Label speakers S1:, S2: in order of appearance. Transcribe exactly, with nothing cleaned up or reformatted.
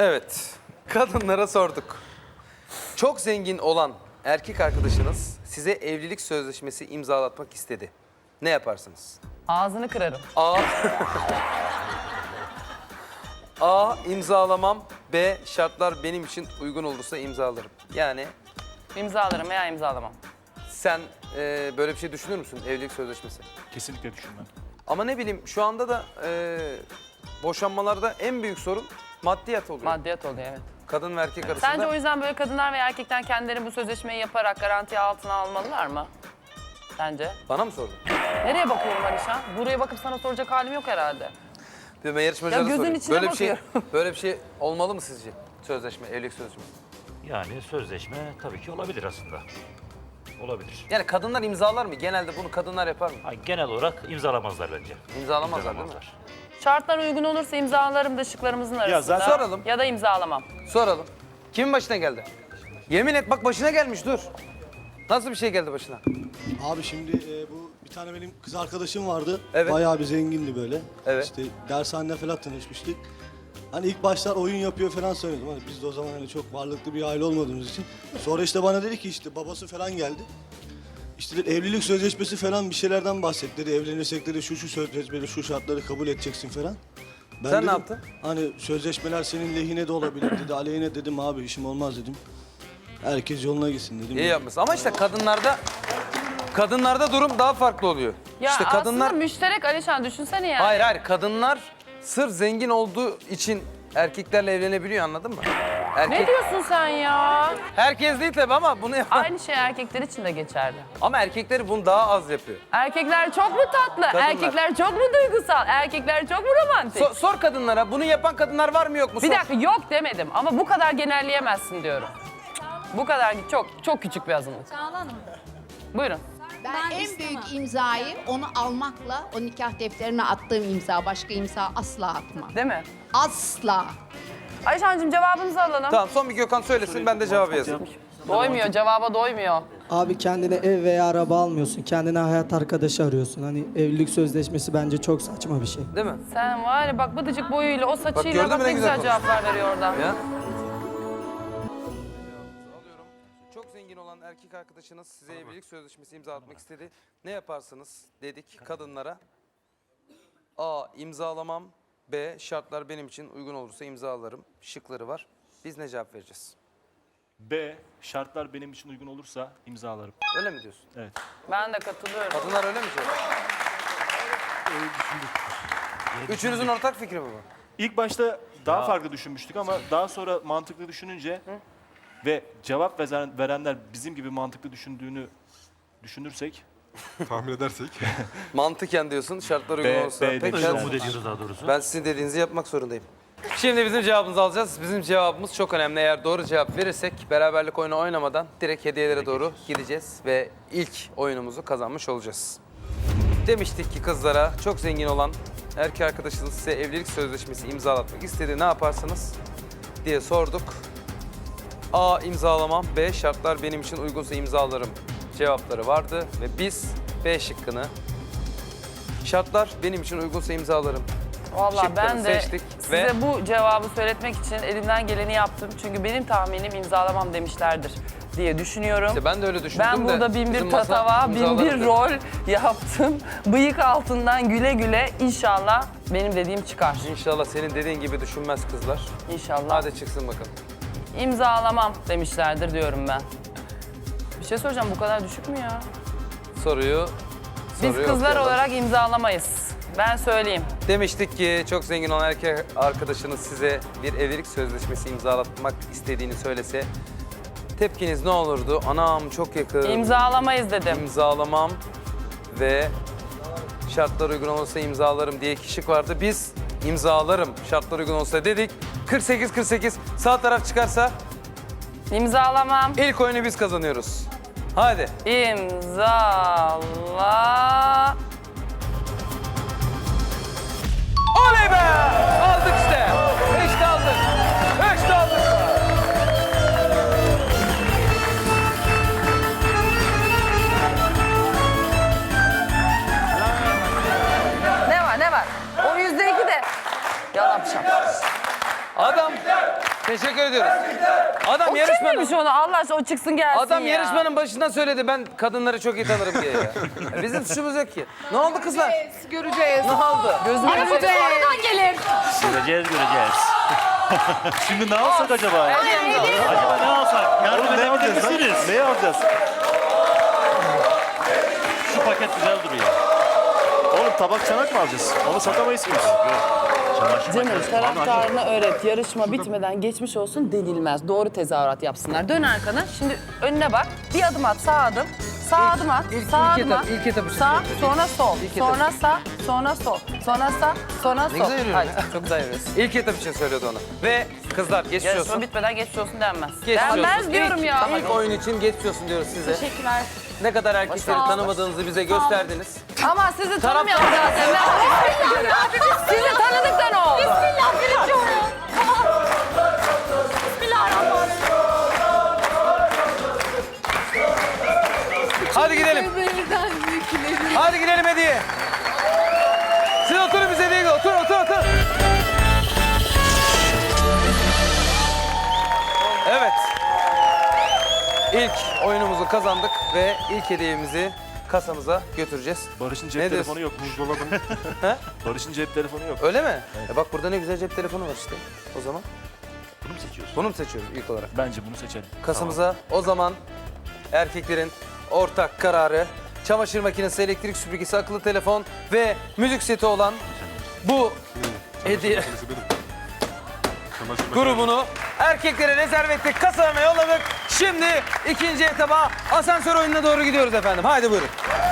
S1: Evet, kadınlara sorduk. Çok zengin olan erkek arkadaşınız size evlilik sözleşmesi imzalatmak istedi. Ne yaparsınız?
S2: Ağzını kırarım.
S1: A. A. imzalamam. B. Şartlar benim için uygun olursa imzalarım. Yani
S2: İmzalarım veya imzalamam.
S1: sen e, böyle bir şey düşünür müsün evlilik sözleşmesi?
S3: Kesinlikle düşünmem.
S1: Ama ne bileyim şu anda da e, boşanmalarda en büyük sorun maddiyat oluyor.
S2: Maddiyat oluyor, evet.
S1: Kadın ve erkek arasında.
S2: Sence o yüzden böyle kadınlar ve erkekler kendileri bu sözleşmeyi yaparak garanti altına almalılar mı? Sence?
S1: Bana mı sordun?
S2: Nereye bakıyorum Alişan? Buraya bakıp sana soracak halim yok herhalde.
S1: Bir ben yarışmacılara
S2: Ya gözün
S1: sorayım.
S2: içine
S1: böyle bir şey,
S2: bakıyorum.
S1: böyle bir şey olmalı mı sizce? Sözleşme, evlilik sözleşmesi.
S3: Yani sözleşme tabii ki olabilir aslında. Olabilir.
S1: Yani kadınlar imzalar mı? Genelde bunu kadınlar yapar mı?
S3: Ha, genel olarak imzalamazlar bence.
S1: İmzalamazlar değil mi?
S2: Şartlar uygun olursa imzalarım da şıklarımızın arasında.
S1: zaten- Soralım.
S2: Ya da imzalamam.
S1: Soralım. Kimin başına geldi? Yemin et bak başına gelmiş dur. Nasıl bir şey geldi başına?
S4: Abi şimdi e, bu bir tane benim kız arkadaşım vardı.
S1: Evet.
S4: Bayağı bir zengindi böyle.
S1: Evet.
S4: İşte dershanede falan tanışmıştık. Hani ilk başlar oyun yapıyor falan söyledim. Hani biz de o zaman hani çok varlıklı bir aile olmadığımız için. Sonra işte bana dedi ki işte babası falan geldi. İşte dedi, evlilik sözleşmesi falan bir şeylerden bahsetti. Dedi, evlenirsek dedi şu şu sözleşmeleri şu şartları kabul edeceksin falan. Ben
S1: Sen ne
S4: dedim,
S1: yaptın?
S4: Hani sözleşmeler senin lehine de olabilir dedi. Aleyhine dedim abi işim olmaz dedim. Herkes yoluna gitsin dedim.
S1: İyi yapmışsın. Ama işte kadınlarda kadınlarda durum daha farklı oluyor.
S2: Ya
S1: işte kadınlar
S2: aslında müşterek Alişan düşünsene yani.
S1: hayır hayır kadınlar sırf zengin olduğu için erkeklerle evlenebiliyor anladın mı? Erkek
S2: Ne diyorsun sen ya?
S1: herkes değil tabii ama bunu yapan
S2: Aynı şey erkekler için de geçerli.
S1: ama erkekleri bunu daha az yapıyor.
S2: Erkekler çok mu tatlı?
S1: Kadınlar.
S2: Erkekler çok mu duygusal? Erkekler çok mu romantik?
S1: So- sor kadınlara bunu yapan kadınlar var mı yok mu?
S2: Bir
S1: Sor.
S2: dakika yok demedim ama bu kadar genelleyemezsin diyorum. Bu kadar çok çok küçük bir azınlık.
S5: Çağla Hanım,
S2: Buyurun.
S5: ben,
S6: Ben
S5: en
S6: istemem.
S5: büyük imzayı onu almakla o nikah defterine attığım imza. Başka imza asla atmam.
S2: Değil mi?
S5: Asla.
S2: Ayşancığım cevabınızı alalım.
S1: Tamam son bir Gökhan söylesin ben de cevabı yazayım.
S2: Doymuyor, cevaba doymuyor.
S7: Abi kendine ev veya araba almıyorsun. Kendine hayat arkadaşı arıyorsun. Hani evlilik sözleşmesi bence çok saçma bir şey.
S1: Değil mi?
S2: Sen var ya bak bıdıcık boyuyla, o
S1: gördün
S2: saçıyla
S1: mü
S2: bak,
S1: ne
S2: ne
S1: güzel
S2: güzel cevaplar veriyor oradan.
S1: Ya. Çok zengin olan erkek arkadaşınız size evlilik sözleşmesi imzalatmak istedi. Ne yaparsınız dedik kadınlara. A. imzalamam. B. Şartlar benim için uygun olursa imzalarım. Şıkları var. Biz ne cevap vereceğiz?
S3: B. Şartlar benim için uygun olursa imzalarım.
S1: Öyle mi diyorsun?
S3: Evet.
S2: Ben de katılıyorum.
S1: Kadınlar öyle mi söylüyor? Üçünüzün ortak fikri mi bu?
S3: İlk başta daha farklı düşünmüştük ama daha sonra mantıklı düşününce ve cevap veren- verenler bizim gibi mantıklı düşündüğünü düşünürsek
S8: Tahmin edersek.
S1: Mantıken diyorsun, şartlar uygun
S3: B,
S1: olursa.
S3: B
S1: Peki,
S3: demişler.
S1: ben-
S3: Umut ediyoruz daha doğrusu.
S1: Ben sizin dediğinizi yapmak zorundayım. Şimdi bizim cevabımızı alacağız. Bizim cevabımız çok önemli. Eğer doğru cevap verirsek beraberlik oyunu oynamadan direkt hediyelere doğru gideceğiz ve ilk oyunumuzu kazanmış olacağız. Demiştik ki kızlara çok zengin olan erkek arkadaşınız size evlilik sözleşmesi imzalatmak istedi. Ne yaparsınız diye sorduk. A. imzalamam. B. Şartlar benim için uygunsa imzalarım cevapları vardı ve biz B şıkkını şartlar benim için uygunsa imzalarım.
S2: Vallahi
S1: şıkları
S2: ben de
S1: seçtik
S2: size
S1: ve-
S2: bu cevabı söyletmek için elimden geleni yaptım. Çünkü benim tahminim imzalamam demişlerdir diye düşünüyorum.
S1: İşte ben de öyle düşündüm
S2: Ben
S1: de
S2: burada bin
S1: bizim
S2: bir
S1: masa
S2: tatava, bin
S1: imzaladı.
S2: bir rol yaptım. Bıyık altından güle güle inşallah benim dediğim çıkar.
S1: İnşallah senin dediğin gibi düşünmez kızlar.
S2: İnşallah.
S1: Hadi çıksın bakalım.
S2: İmzalamam demişlerdir diyorum ben. Bir şey soracağım, bu kadar düşük mü ya?
S1: Soruyu
S2: Biz
S1: soruyu
S2: kızlar
S1: okuyalım.
S2: olarak imzalamayız. Ben söyleyeyim.
S1: Demiştik ki çok zengin olan erkek arkadaşınız size bir evlilik sözleşmesi imzalatmak istediğini söylese tepkiniz ne olurdu? Anam çok yakın.
S2: İmzalamayız dedim.
S1: İmzalamam ve şartlar uygun olursa imzalarım diye kişi vardı. Biz imzalarım şartlar uygun olursa dedik. kırk sekiz kırk sekiz sağ taraf çıkarsa
S2: İmzalamam.
S1: ilk oyunu biz kazanıyoruz. Hadi.
S2: İmzala.
S1: Oley be! Aldık işte. İşte aldık. İşte aldık.
S2: Ne var ne var? O yüzde iki de. Yalan şap.
S1: Adam Teşekkür ediyoruz. Adam
S2: O
S1: yarışmanın
S2: kimmiş onu? Allah aşkına o çıksın gelsin
S1: Adam
S2: ya.
S1: yarışmanın başından söyledi ben kadınları çok iyi tanırım diye ya. Bizim suçumuz yok ki. Ne oldu kızlar?
S5: Göreceğiz.
S1: Ne oldu?
S2: Gözüme
S5: Göreceğiz. Sonradan gelir.
S6: Göreceğiz göreceğiz.
S3: Şimdi ne alsak acaba?
S6: Acaba ne alsak? Yardım
S3: Oğlum ne
S6: edebilir
S3: alacağız lan?
S6: misiniz?
S3: Neyi alacağız?
S6: Şu paket güzel duruyor.
S3: Oğlum tabak çanak mı alacağız? Onu satamayız ki biz.
S6: Çamaşır
S2: Canım
S6: makinesi.
S2: taraftarına öğret. Yarışma bitmeden geçmiş olsun denilmez. Doğru tezahürat yapsınlar. Dön arkana. Şimdi önüne bak. Bir adım at. Sağ adım. Sağ adım at.
S1: ilk-
S2: sağ
S1: ilk
S2: adım
S1: etap-
S2: at.
S1: ilk etap için
S2: Sağ,
S1: söylüyorum.
S2: sonra sol.
S1: İlk etap
S2: sonra sağ, sonra sol. Sonra sağ, sonra sol.
S1: Ne güzel yürüyorum
S2: Hadi,
S1: ya.
S2: çok güzel yürüyorsun.
S1: İlk etap için söylüyordu onu. Ve kızlar geçmiş
S2: Yarışma
S1: olsun.
S2: bitmeden geçmiş olsun denmez.
S1: Geçmiş olsun.
S2: Denmez diyorum
S1: İlk-
S2: ya.
S1: İlk oyun için geçmiş olsun diyoruz size.
S5: Teşekkürler.
S1: Ne kadar erkekleri
S2: Sağ ol.
S1: tanımadığınızı bize gösterdiniz.
S2: Ama sizi
S1: Taraf-
S2: tanımıyorum zaten. Sizi tanıdık da ne oldu?
S5: Bismillah birinci oyun. Bismillahirrahmanirrahim.
S1: Hadi gidelim. Hadi gidelim hediye. Siz oturun bize hediye gidin. Otur otur otur. Evet. İlk oyunumuzu kazandık ve ilk hediyemizi kasamıza götüreceğiz.
S3: Barış'ın
S1: Ne
S3: cep
S1: diyorsun?
S3: telefonu yok. Buzdolabı.
S1: He?
S3: Barış'ın cep telefonu yok.
S1: Öyle mi? E bak burada ne güzel cep telefonu var işte. O zaman
S6: Bunu mu seçiyorsun?
S1: bunu mu seçiyoruz ilk olarak?
S3: Bence bunu seçelim.
S1: Kasamıza o zaman erkeklerin ortak kararı çamaşır makinesi, elektrik süpürgesi, akıllı telefon ve müzik seti olan bu hediye grubunu erkeklere rezerv ettik, kasalarına yolladık. Şimdi ikinci etaba asansör oyununa doğru gidiyoruz efendim. Haydi buyurun.